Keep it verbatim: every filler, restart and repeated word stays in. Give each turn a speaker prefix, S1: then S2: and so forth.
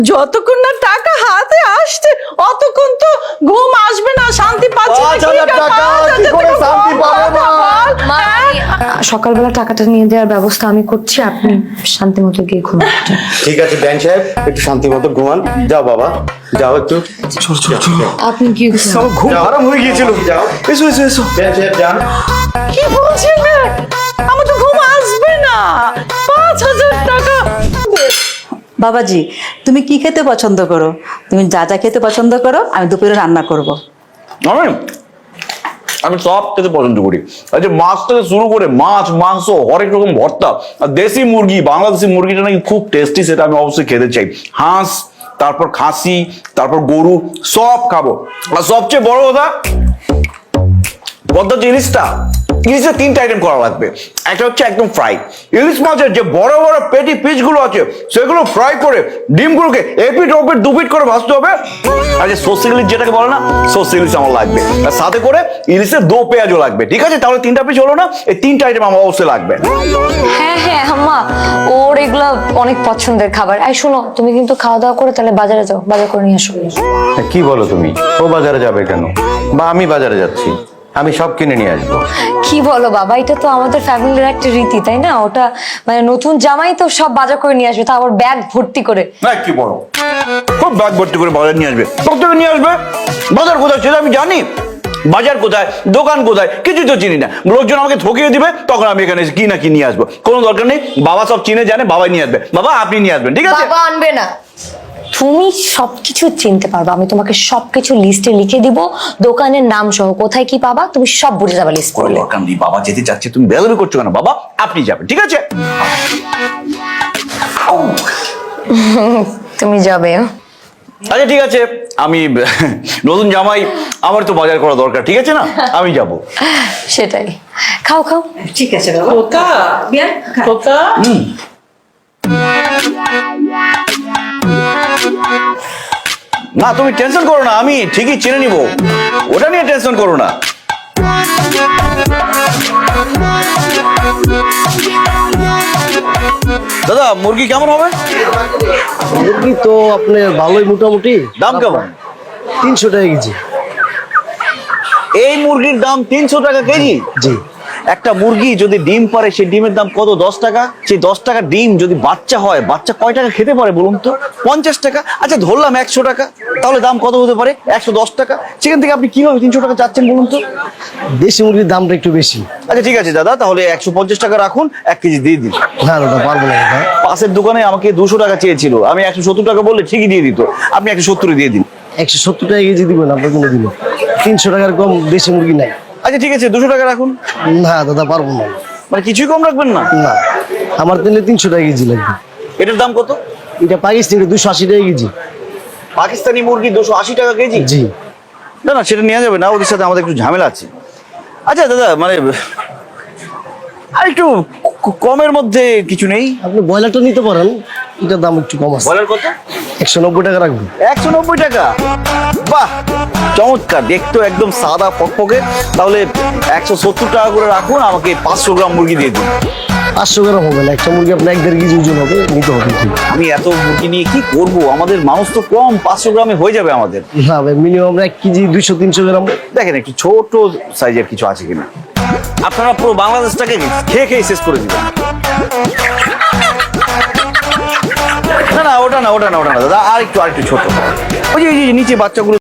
S1: যতক্ষণ না টাকা হাতে আসছে অতক্ষণ তো ঘুম আসবে না, শান্তি পাচ্ছি
S2: সকালবেলা টাকাটা নিয়ে দেওয়ার ব্যবস্থা আমি করছি, আপনি শান্তি মতো গিয়ে ঘুমান।
S3: ঠিক আছে ব্যান সাহেব, একটু শান্তি মতো ঘুমান। যাও বাবা, যাও একটু।
S2: আপনি কি
S3: ঘুম আরাম হয়ে গিয়েছিল। যাও, এসো এসো এসো। ব্যান সাহেব যান।
S1: কি বলছিলে? আমার তো ঘুম আসবে না। পাঁচ হাজার টাকা।
S4: বাবাজি, তুমি কি খেতে পছন্দ করো? তুমি যা যা খেতে পছন্দ করো আমি দুপুরে রান্না করব।
S5: আমি আমি সব খেতে পছন্দ করি। আচ্ছা, মাছ থেকে শুরু করে মাছ, মাংস, হরেক রকম ভর্তা, আর দেশি মুরগি, বাংলাদেশি মুরগিটা নাকি খুব টেস্টি, সেটা আমি অবশ্যই খেতে চাই। হাঁস, তারপর খাসি, তারপর গরু, সব খাবো। আর সবচেয়ে বড় কথা, পদ্মা যে ইলিশটা, ইলিশের তিনটা আইটেম করা লাগবে। একটা হচ্ছে একদম ফ্রাই, ইলিশ মাছের যে বড় বড় পেটি পিসগুলো আছে সেগুলো ফ্রাই করে ডিমগুলোকে এপিট ওপিট দুপিট করে ভাজতে হবে। আর যে সর্ষে ইলিশ যেটাকে বলে না, সর্ষে ইলিশ আমার লাগবে। আর সাথে করে ইলিশের দো পেঁয়াজও লাগবে। ঠিক আছে, তাহলে তিনটা পিস হলো না? এই তিনটা আইটেম আমার অবশ্যই লাগবে।
S2: হ্যাঁ হ্যাঁ আম্মা, ওর এগুলা অনেক পছন্দের খাবার। এই শোনো, তুমি কিন্তু খাওয়া দাওয়া করে তাহলে বাজারে যাও, বাজার করে নিয়ে আসো।
S3: কি বলো তুমি? ও বাজারে যাবে কেন? বা আমি বাজারে যাচ্ছি, আমি সব কিনে নিয়ে আসবো।
S2: কি বলো বাবা, এটা তো আমাদের ফ্যামিলির একটা রীতি, তাই না? ওটা মানে নতুন জামাই তো সব বাজার করে নিয়ে আসবে, তা আবার ব্যাগ ভর্তি করে।
S5: না কি বলো, খুব ব্যাগ ভর্তি করে বাজার নিয়ে আসবে। কোথায় নিয়ে আসবে? বাজার কোথায় সেটা আমি জানি। বাজার কোথায়, দোকান কোথায়, কিছু তো চিনি না। লোকজন আমাকে ঠকিয়ে দিবে, তখন আমি এখানে কি না কি নিয়ে আসবো। কোনো দরকার নেই, বাবা সব চিনে জানে, বাবাই নিয়ে আসবে। বাবা আপনি নিয়ে আসবেন, ঠিক আছে?
S2: বাবা আনবে না। তুমি সবকিছু চিনতে পারবে, আমি তোমাকে সবকিছু লিস্টে লিখে দিব, দোকানের নাম সহ কোথায় কি পাবা তুমি সব বুঝে যাবে লিস্ট
S5: কোনো
S2: করলে।
S5: দরকার নেই, বাবা যেতে চাচ্ছে, তুমি বেদবি করছো কেন? বাবা আপনি যাবেন, ঠিক আছে?
S2: তুমি যাবে।
S5: আচ্ছা ঠিক আছে, আমি নতুন জামাই, আমার তো বাজার করা দরকার, ঠিক আছে না? আমি যাব।
S2: সেটাই, খাও খাও।
S4: ঠিক আছে বাবা।
S1: খোকা, খোকা।
S5: না তুমি টেনশন করো না, আমি ঠিকই চিনে নিব, ওটা নিয়ে টেনশন করো না। দাদা মুরগি কেমন হবে?
S6: মুরগি তো আপনার ভালোই, মোটামুটি।
S5: দাম কেমন?
S6: তিনশো টাকা কেজি।
S5: এই মুরগির দাম তিনশো টাকা কেজি?
S6: জি।
S5: একটা মুরগি যদি ডিম পারে, সেই ডিমের দাম কত? দশ টাকা। সেই দশ টাকা ডিম যদি বাচ্চা হয়, বাচ্চা কয় টাকা খেতে পারে বলুন তো? পঞ্চাশ টাকা। আচ্ছা ধরলাম একশো টাকা, তাহলে দাম কত হতে পারে? একশো দশ টাকা। সেখান থেকে আপনি কিভাবে তিনশো টাকা চাচ্ছেন বলুন তো?
S6: দেশি মুরগির দামটা একটু বেশি।
S5: আচ্ছা ঠিক আছে দাদা, তাহলে একশো পঞ্চাশ টাকা রাখুন, এক কেজি দিয়ে দিন।
S6: না দাদা, পারবো না দাদা।
S5: পাশের দোকানে আমাকে দুশো টাকা চেয়েছিল, আমি একশো সত্তর টাকা বললে ঠিকই দিয়ে দিত। আপনি একশো সত্তরে দিয়ে দিন।
S6: একশো সত্তর টাকা কেজি দিবেন আপনার কোনো দিন? তিনশো টাকার কম দেশি মুরগি নাই।
S5: আচ্ছা ঠিক আছে, দুশো টাকা রাখুন।
S6: না দাদা, পারবো না।
S5: মানে কিছুই কম রাখবেন না?
S6: না, আমার তাহলে তিনশো টাকা কেজি লাগবে।
S5: এটার দাম কত?
S6: এটা পাকিস্তানি, দুশো আশি টাকা কেজি।
S5: পাকিস্তানি মুরগি দুশো আশি টাকা কেজি?
S6: জি।
S5: না না, সেটা নেওয়া যাবে না, ওদের সাথে আমাদের একটু ঝামেলা আছে। আচ্ছা দাদা, মানে আর একটু ক- কমের মধ্যে কিছু নেই?
S6: আপনি ব্রয়লারটা নিতে পারেন, এটার দাম একটু কম আছে।
S5: বলার কত?
S6: একশো নব্বই টাকা রাখবেন।
S5: একশো নব্বই টাকা? বাহ, চমৎকার, দেখতো একদম সাদা ফকফকে। তাহলে একশো সত্তর টাকা করে রাখুন, আমাকে পাঁচশো গ্রাম মুরগি দিয়ে দিন।
S6: পাঁচশো গ্রাম হবে না, একটা মুরগি আপনার এক দেড় কেজি ওজন হবে, নিতে হবে। ঠিক
S5: আমি এত মুরগি নিয়ে কি করব? আমাদের মানুষ তো কম, পাঁচশো গ্রামে হয়ে যাবে আমাদের।
S6: না ভাই, মিনিমাম এক কেজি দুইশো তিনশো গ্রাম।
S5: দেখেন একটু ছোট সাইজের কিছু আছে কিনা। আপনারা পুরো বাংলাদেশটাকে খেয়ে খেয়ে শেষ করে দিবেন। না না, ওটা না, ওটা না, ওটা না দাদা, আর একটু আর একটু ছোট। ওই যে ওই যে নিচে বাচ্চাগুলো